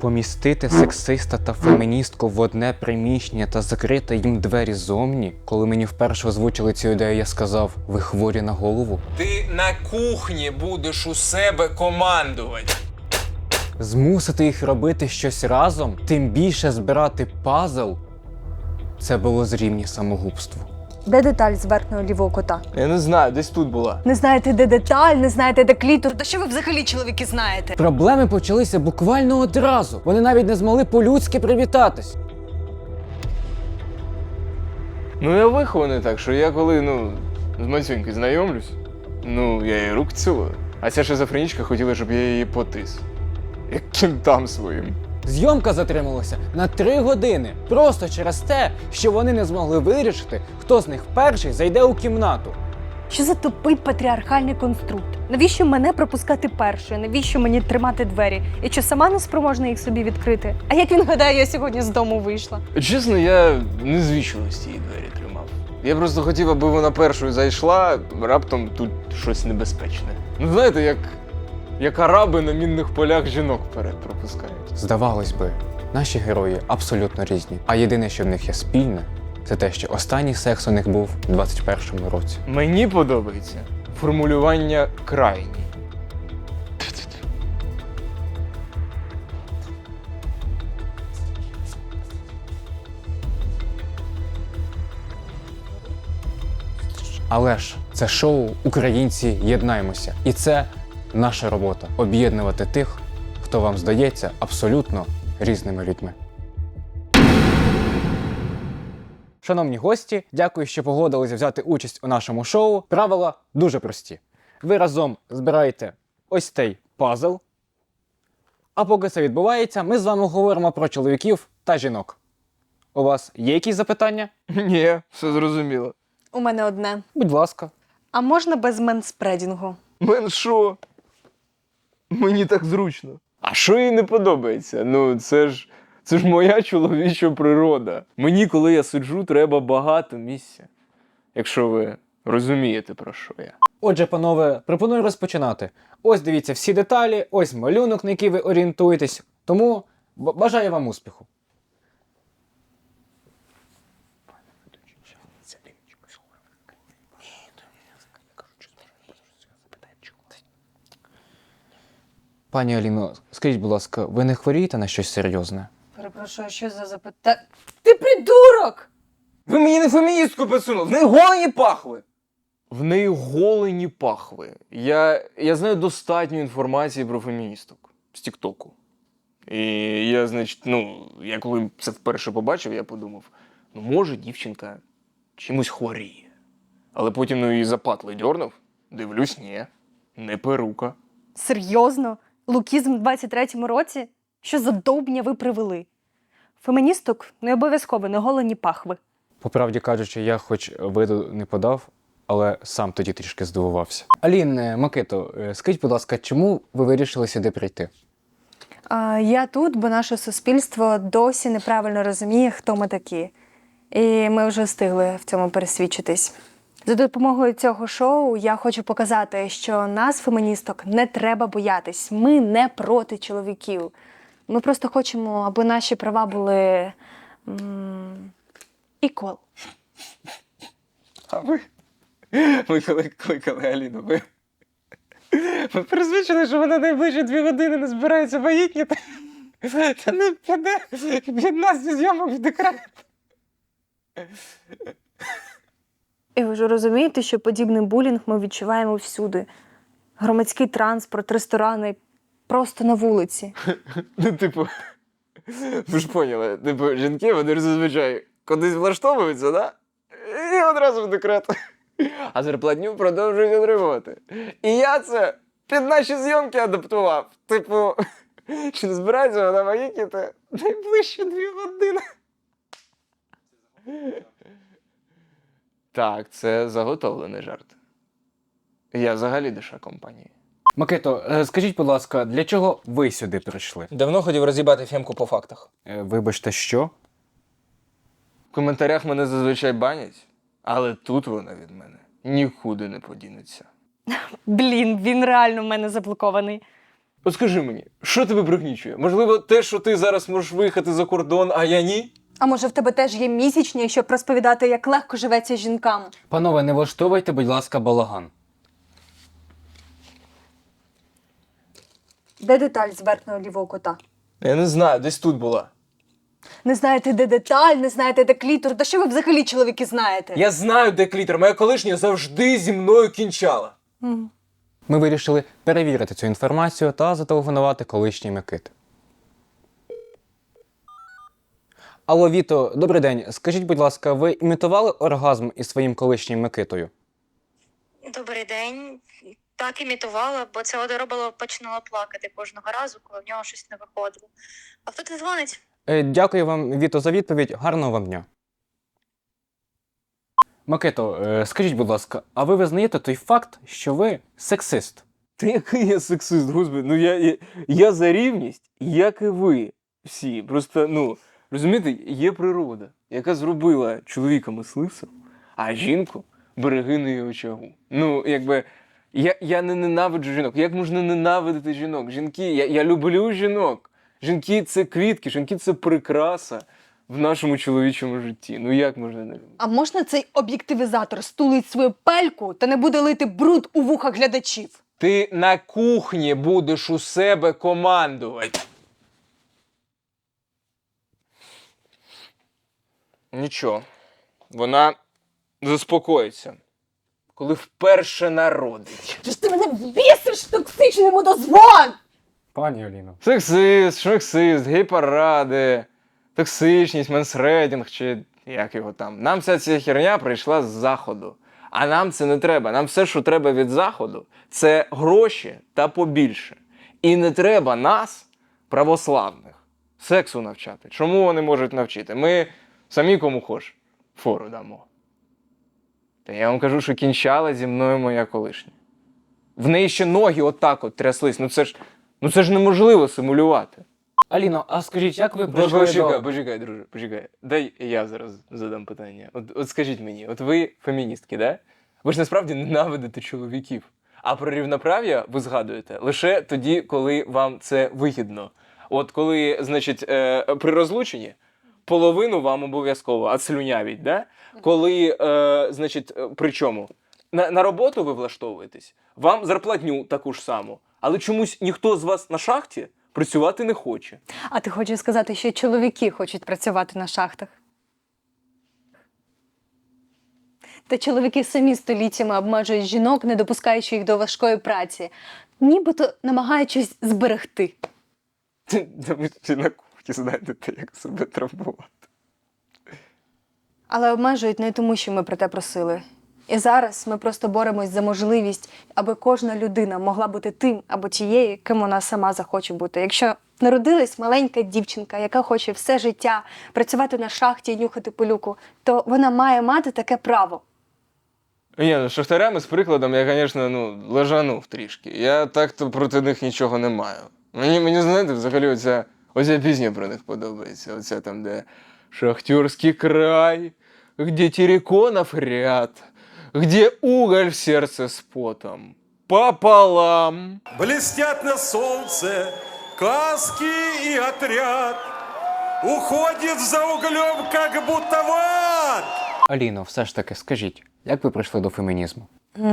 Помістити сексиста та феміністку в одне приміщення та закрити їм двері ззовні? Коли мені вперше озвучили цю ідею, я сказав: ви хворі на голову? Ти на кухні будеш у себе командувати. Змусити їх робити щось разом, тим більше збирати пазл – це було зрівні самогубству. Де деталь з верхнього лівого кота? Я не знаю, десь тут була. Не знаєте, де деталь, не знаєте, де клітор. Та що ви взагалі, чоловіки, знаєте? Проблеми почалися буквально одразу. Вони навіть не змогли по-людськи привітатись. Ну я вихований так, що я коли, з Мацюнькою знайомлюсь, я її рук цілую. А ця шизофренічка хотіла, щоб я її потис. Як кінтам своїм. Зйомка затрималася на 3 години. Просто через те, що вони не змогли вирішити, хто з них перший зайде у кімнату. Що за тупий патріархальний конструкт? Навіщо мене пропускати першою? Навіщо мені тримати двері? І що сама не спроможна їх собі відкрити? А як він гадає, я сьогодні з дому вийшла? Чесно, я не з вічливості її двері тримав. Я просто хотів, аби вона першою зайшла, раптом тут щось небезпечне. Знаєте, як араби на мінних полях жінок вперед пропускають. Здавалось би, наші герої абсолютно різні. А єдине, що в них є спільне, це те, що останній секс у них був у 21-му році. Мені подобається формулювання крайній. Але ж це шоу «Українці, єднаймося». І це наша робота – об'єднувати тих, хто вам здається абсолютно різними людьми. Шановні гості, дякую, що погодилися взяти участь у нашому шоу. Правила дуже прості. Ви разом збираєте ось цей пазл. А поки це відбувається, ми з вами говоримо про чоловіків та жінок. У вас є якісь запитання? Ні, все зрозуміло. У мене одне. Будь ласка. А можна без менспредінгу? Мен що? Мені так зручно. А що їй не подобається? Це ж моя чоловіча природа. Мені, коли я сиджу, треба багато місця. Якщо ви розумієте, про що я. Отже, панове, пропоную розпочинати. Ось дивіться всі деталі, ось малюнок, на який ви орієнтуєтесь. Тому бажаю вам успіху. Пані Аліно, скажіть, будь ласка, ви не хворієте на щось серйозне? Перепрошую, що за запитання? Ти придурок! Ви мені не феміністку підсунули, в неї голені пахви! В неї голені пахви. Я знаю достатньо інформації про феміністок з Тіктоку. І я, я коли це вперше побачив, я подумав, може дівчинка чимось хворіє. Але потім її за патли дьорнув, дивлюсь, ні, не перука. Серйозно? Лукізм в 23-му році? Що за довбня ви привели? Феміністок не обов'язково неголені пахви. По правді кажучи, я хоч виду не подав, але сам тоді трішки здивувався. Алін, Микито, скажіть, будь ласка, чому ви вирішили сюди прийти? Я тут, бо наше суспільство досі неправильно розуміє, хто ми такі. І ми вже встигли в цьому пересвідчитись. За допомогою цього шоу я хочу показати, що нас, феміністок, не треба боятись. Ми не проти чоловіків. Ми просто хочемо, аби наші права були equal. А ви коли кликали Аліну, ви пересвідчили, що вона найближчі 2 години не збирається вагітніти? Та не піде від нас зі зйомок в декрет. І ви ж розумієте, що подібний булінг ми відчуваємо всюди. Громадський транспорт, ресторани, просто на вулиці. Ви ж поняли, жінки, вони ж зазвичай кудись влаштовуються, да? І одразу в декрет. А зарплатню продовжують отримувати. І я це під наші зйомки адаптував. Чи не збирається вона вагітніти найближчі 2 години? Так, це заготовлений жарт. Я взагалі душа компанії. Микито, скажіть, будь ласка, для чого ви сюди прийшли? Давно хотів роз'їбати Фемку по фактах. Вибачте, що? В коментарях мене зазвичай банять, але тут вона від мене нікуди не подінеться. Блін, він реально в мене заблокований. От скажи мені, що тебе пригнічує? Можливо, те, що ти зараз можеш виїхати за кордон, а я ні? А може в тебе теж є місячні, щоб розповідати, як легко живеться жінкам? Панове, не влаштовуйте, будь ласка, балаган. Де деталь з верхнього лівого кута? Я не знаю, десь тут була. Не знаєте, де деталь, не знаєте, де клітор. Та що ви взагалі, чоловіки, знаєте? Я знаю, де клітор. Моя колишня завжди зі мною кінчала. Ми вирішили перевірити цю інформацію та зателефонувати колишній Микити. Алло, Віто, добрий день. Скажіть, будь ласка, ви імітували оргазм із своїм колишнім Микитою? Добрий день. Так імітувала, бо це одоробило починала плакати кожного разу, коли в нього щось не виходило. А хто ти дзвонить? Дякую вам, Віто, за відповідь. Гарного вам дня. Микито, скажіть, будь ласка, а ви визнаєте той факт, що ви сексист? Та який я сексист, господи, ну я за рівність, як і ви всі. Просто, ну, розумієте, є природа, яка зробила чоловіка мисливцем, а жінку берегинею очагу. Ну, якби, я не ненавиджу жінок. Як можна ненавидити жінок? Жінки, я люблю жінок. Жінки – це квітки, жінки – це прикраса в нашому чоловічому житті. Ну як можна не любити? А можна цей об'єктивізатор стулить свою пельку та не буде лити бруд у вуха глядачів? Ти на кухні будеш у себе командувати. Нічого. Вона заспокоїться, коли вперше народить. Чи ж ти мене бісиш токсичним мудозвон? Пані Аліно. Сексист, шмексист, гей-паради, токсичність, менсредінг чи як його там. Нам вся ця херня прийшла з заходу. А нам це не треба. Нам все, що треба від заходу, це гроші та побільше. І не треба нас, православних, сексу навчати. Чому вони можуть навчити? Ми самі кому хоч фору дамо. Та я вам кажу, що кінчала зі мною моя колишня. В неї ще ноги отак от тряслись. Ну це ж неможливо симулювати. Аліно, а скажіть, як ви прийшли до... Почекай, друже, почекай. Дай я зараз задам питання. От скажіть мені, от ви феміністки, да? Ви ж насправді ненавидите чоловіків. А про рівноправ'я ви згадуєте лише тоді, коли вам це вигідно. От коли, значить, при розлученні половину вам обов'язково отслюнявіть, да? Коли, значить, при чому? На роботу ви влаштовуєтесь, вам зарплатню таку ж саму, але чомусь ніхто з вас на шахті працювати не хоче. А ти хочеш сказати, що чоловіки хочуть працювати на шахтах? Та чоловіки самі століттями обмежують жінок, не допускаючи їх до важкої праці, нібито намагаючись зберегти. Ви всі на кухні знаєте, як себе травмувати. Але обмежують не тому, що ми про те просили. І зараз ми просто боремось за можливість, аби кожна людина могла бути тим або тією, ким вона сама захоче бути. Якщо народилась маленька дівчинка, яка хоче все життя працювати на шахті і нюхати пилюку, то вона має мати таке право. Ні, ну шахтарями з прикладом я, звісно, лежанув трішки. Я так-то проти них нічого не маю. Мені знаєте, взагалі оця пісня про них подобається. Оця там, де «Шахтерський край, где терриконов ряд, где уголь в сердце с потом, пополам». Блестят на солнце каски и отряд уходит за углем, как будто в ад. Аліно, все ж таки, скажіть, як ви прийшли до фемінізму?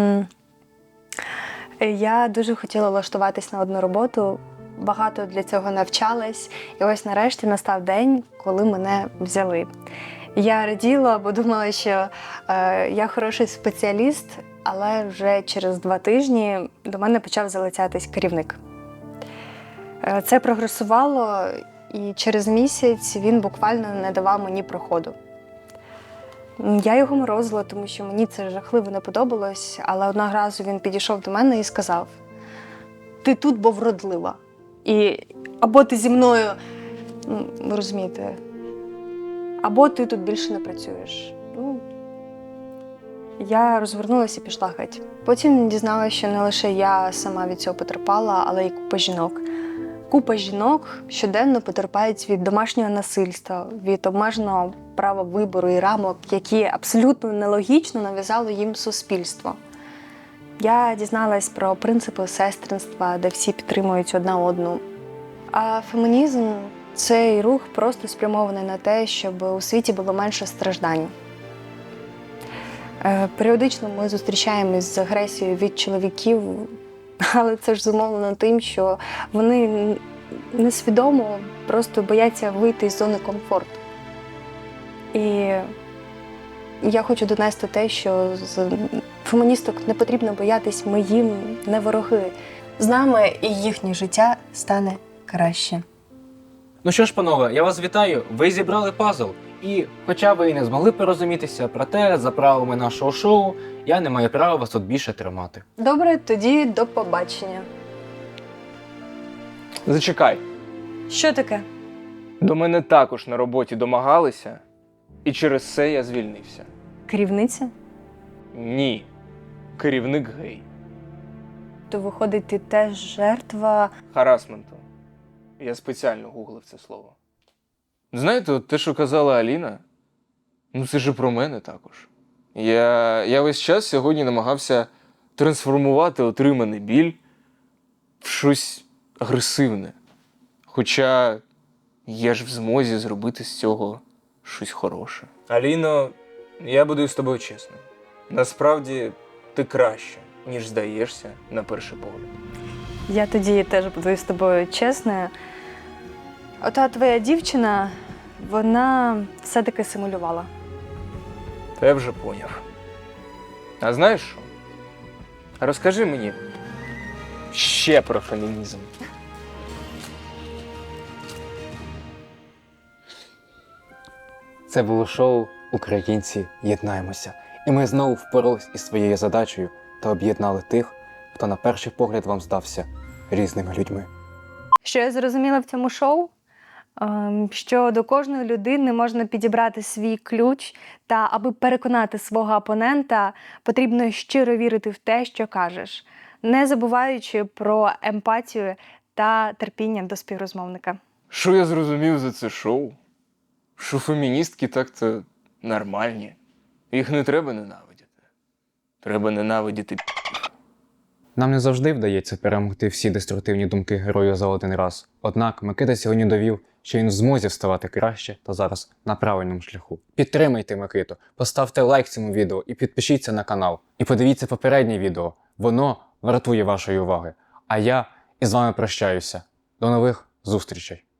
Я дуже хотіла влаштуватись на одну роботу, багато для цього навчалась, і ось нарешті настав день, коли мене взяли. Я раділа, бо думала, що я хороший спеціаліст, але вже через 2 тижні до мене почав залицятись керівник. Це прогресувало, і через місяць він буквально не давав мені проходу. Я його морозила, тому що мені це жахливо не подобалось, але одного разу він підійшов до мене і сказав: «Ти тут, бо вродлива. І або ти зі мною, ви розумієте, або ти тут більше не працюєш». Я розвернулася і пішла геть. Потім дізналася, що не лише я сама від цього потерпала, але й купа жінок. Купа жінок щоденно потерпають від домашнього насильства, від обмеженого права вибору і рамок, які абсолютно нелогічно нав'язало їм суспільство. Я дізналась про принципи сестринства, де всі підтримують одна одну. А фемінізм – цей рух просто спрямований на те, щоб у світі було менше страждань. Періодично ми зустрічаємось з агресією від чоловіків, але це ж зумовлено тим, що вони несвідомо просто бояться вийти з зони комфорту. І я хочу донести те, що з феміністок не потрібно боятись, ми їм не вороги. З нами і їхнє життя стане краще. Ну що ж, панове, я вас вітаю. Ви зібрали пазл. І, хоча ви і не змогли порозумітися, проте за правилами нашого шоу я не маю права вас тут більше тримати. Добре, тоді до побачення. Зачекай. Що таке? До мене також на роботі домагалися, і через це я звільнився. Керівниця? Ні. Керівник гей. То виходить, ти теж жертва. Харасменту. Я спеціально гуглив це слово. Знаєте, от те, що казала Аліна, ну це ж і про мене також. Я весь час сьогодні намагався трансформувати отриманий біль в щось агресивне. Хоча я ж в змозі зробити з цього щось хороше. Аліно, я буду з тобою чесним. Насправді ти краще, ніж здаєшся на перший погляд. Я тоді теж буду з тобою чесною. Ота твоя дівчина, вона все-таки симулювала. Та я вже поняв. А знаєш що? Розкажи мені ще про фемінізм. Це було шоу «Українці, єднаємося». І ми знову впорались із своєю задачею та об'єднали тих, хто на перший погляд вам здався різними людьми. Що я зрозуміла в цьому шоу? Що до кожної людини можна підібрати свій ключ, та аби переконати свого опонента, потрібно щиро вірити в те, що кажеш, не забуваючи про емпатію та терпіння до співрозмовника. Що я зрозумів за це шоу? Що феміністки так-то нормальні. Їх не треба ненавидіти. Треба ненавидіти Нам не завжди вдається перемогти всі деструктивні думки героя за один раз. Однак Микита сьогодні довів, що він в змозі ставати краще та зараз на правильному шляху. Підтримайте Микиту, поставте лайк цьому відео і підпишіться на канал. І подивіться попереднє відео, воно вартує вашої уваги. А я із вами прощаюся. До нових зустрічей!